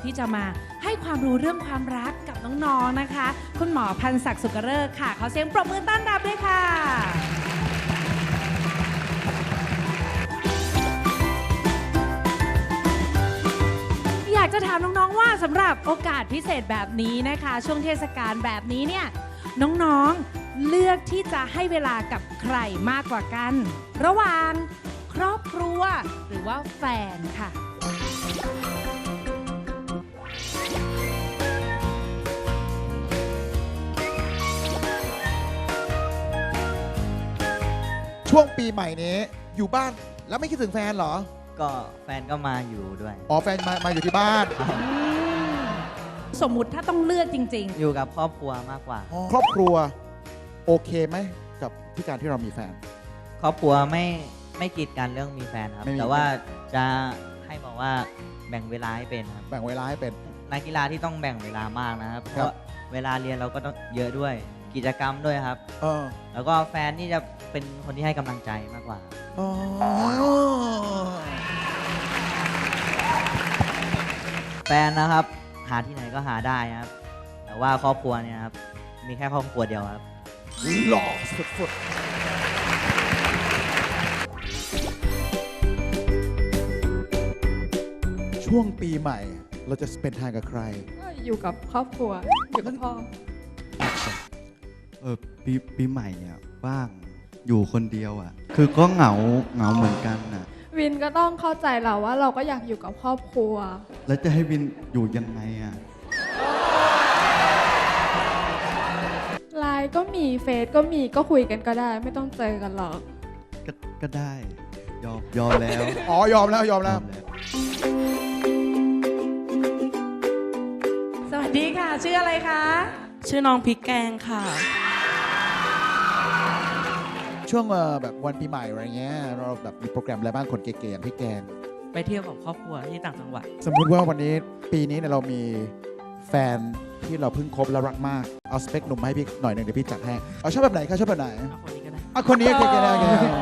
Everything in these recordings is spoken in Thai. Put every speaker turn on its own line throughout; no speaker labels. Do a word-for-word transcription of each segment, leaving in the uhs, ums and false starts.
ที่จะมาให้ความรู้เรื่องความรักกับน้องๆนะคะคุณหมอพันศักดิ์สุกฤกษ์ค่ะขอเสียงปรบมือต้อนรับด้วยค่ะอยากจะถามน้องๆว่าสำหรับโอกาสพิเศษแบบนี้นะคะช่วงเทศกาลแบบนี้เนี่ยน้องๆเลือกที่จะให้เวลากับใครมากกว่ากันระหว่างครอบครัวหรือว่าแฟนค่ะ
ช่วงปีใหม่นี้อยู่บ้านแล้วไม่คิดถึงแฟนเหรอ
ก็แฟนก็มาอยู่ด้วย
อ๋อแฟนมามาอยู่ที่บ้าน
สมมุติถ้าต้องเลือกจริง
ๆอยู่กับครอบครัวมากกว่า
ครอบครัวโอเคไหมกับที่การที่เรามีแฟน
ครอบครัวไม่ไม่กีดกันเรื่องมีแฟนครับแต่ว่าจะให้บอกว่าแบ่งเวลาให้เป็นครับ
แบ่งเวลาให้เป็น
นักกีฬาที่ต้องแบ่งเวลามากนะครับเพราะเวลาเรียนเราก็ต้องเยอะด้วยกิจกรรมด้วยครับ
เออ
แล้วก็แฟนนี่จะเป็นคนที่ให้กำลังใจมากกว่าแฟนนะครับหาที่ไหนก็หาได้ครับแต่ว่าครอบครัวเนี่ยครับมีแค่ครอบครัวเดียวครับ
หล่อสุดๆช่วงปีใหม่เราจะสเปนทางกับใคร
ก็อยู่กับครอบครัวอยู่กับพ่อ
เออปีปีใหม่เนี่ยบ้างอยู่คนเดียวอ่ะคือก็เหงาเหงาเหมือนกันน่ะ
วินก็ต้องเข้าใจเราว่าเราก็อยากอยู่กับครอบครัว
แล้วจะให้วินอยู่ยังไงอ่ะ
ไลน์ก็มีเฟซก็มีก็คุยกันก็ได้ไม่ต้องเจอกันหรอก
ก็ก็ได้ยอมยอมแล้ว
อ๋อยอมแล้วยอมแล้ว
สวัสดีค่ะชื่ออะไรคะ
ชื่อน้องพริกแกงค่ะ
ช่วงแบบวันปีใหม่อะไรเงี้ยเราแบบมีโปรแกรมอะไรบ้างคนเก๋ๆอย่างพี่แกง
ไปเที่ยวกับครอบครัวที่ต่างจังหวัด
สมมุติว่าวันนี้ปีนี้เนี่ยเรามีแฟนที่เราเพิ่งคบแล้วรักมากเอาสเปคหนุ่มให้พี่หน่อยหนึ่งเดี๋ยวพี่จัดให้เอาชอบแบบไหนคะชอบแบบไหน
เอาคนนี้ก็ได้
เอาคนนี้เก๋ๆได้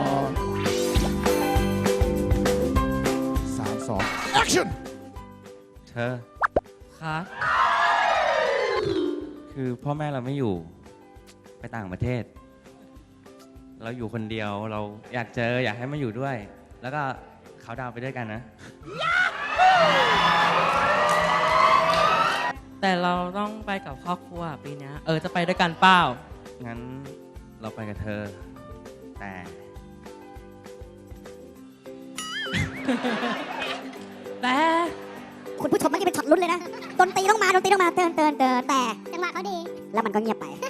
สามสองแอคชั่น
เธอ
ครับ
คือพ่อแม่เราไม่อยู่ไปต่างประเทศเราอยู่คนเดียวเราอยากเจออยากให้มาอยู่ด้วยแล้วก็เขาดาวไปด้วยกันนะ
แต่เราต้องไปกับครอบครัวปีนี้เออจะไปด้วยกันเปล่า
งั้นเราไปกับเธอแต่
แต่
คุณผู้ชมมันจะเป็นช็อตลุ้นเลยนะดนตรีต้องมาดนตรีต้องมาเตือนเตือนเตือนแต่จังหวะเขาดีแล้วมันก็เงียบไป